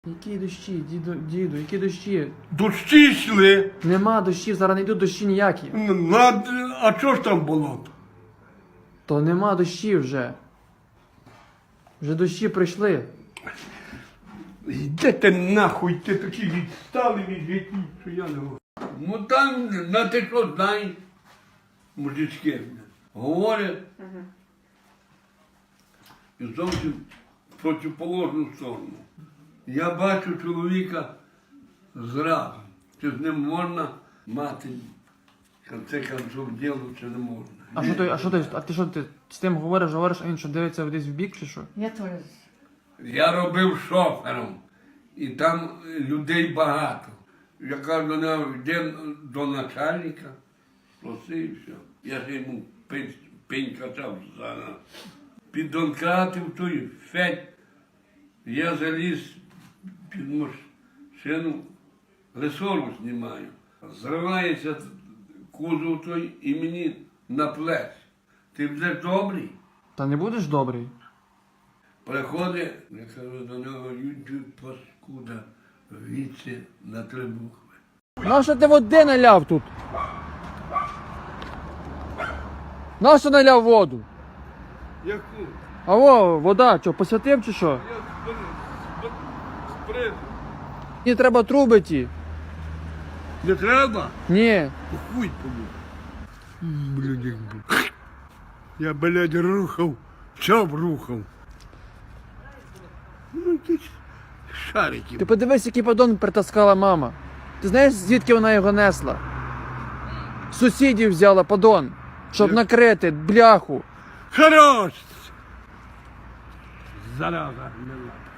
Які дощі, діду, які дощі? Дощі йшли. Нема дощів, зараз не йдуть дощі ніякі. А чого ж там болото? То нема дощів вже. Вже дощі прийшли. Йдете нахуй, ти такі відстали від віків, що я не можу. Ну там, на те, що знай, мужички говорять і зовсім в протиположну сторону. Я бачу чоловіка зразу, чи з ним можна мати, в конце концов, діло, чи не можна. А ти що, ти з тим говориш, а він що дивиться десь в бік чи що? Я теж. Я робив шофером, і там людей багато. Я кажу до нього, йде до начальника, проси і все. Я ж йому пень качав за піддонкратив той федь. Я заліз під машину, ресору знімаю. Зривається кузов той і мені на плеч. Ти вже добрий? Та не будеш добрий? Приходить, я кажу до нього, YouTube паскуда, віці на 3 букви. Нащо ти води наляв тут? Нащо наляв воду? Яку? А во, вода, що, посвятив чи що? Я спризу. Мені треба труби ті. Не треба? Ні. Хуй тобі. Блядь, я, блядь, рухав, все рухав. Ну, якісь шарики. Ти подивись, який подон притаскала мама. Ти знаєш, звідки вона його несла? З сусідів взяла подон, щоб накрити бляху. Хорош! Зараза, не ладно.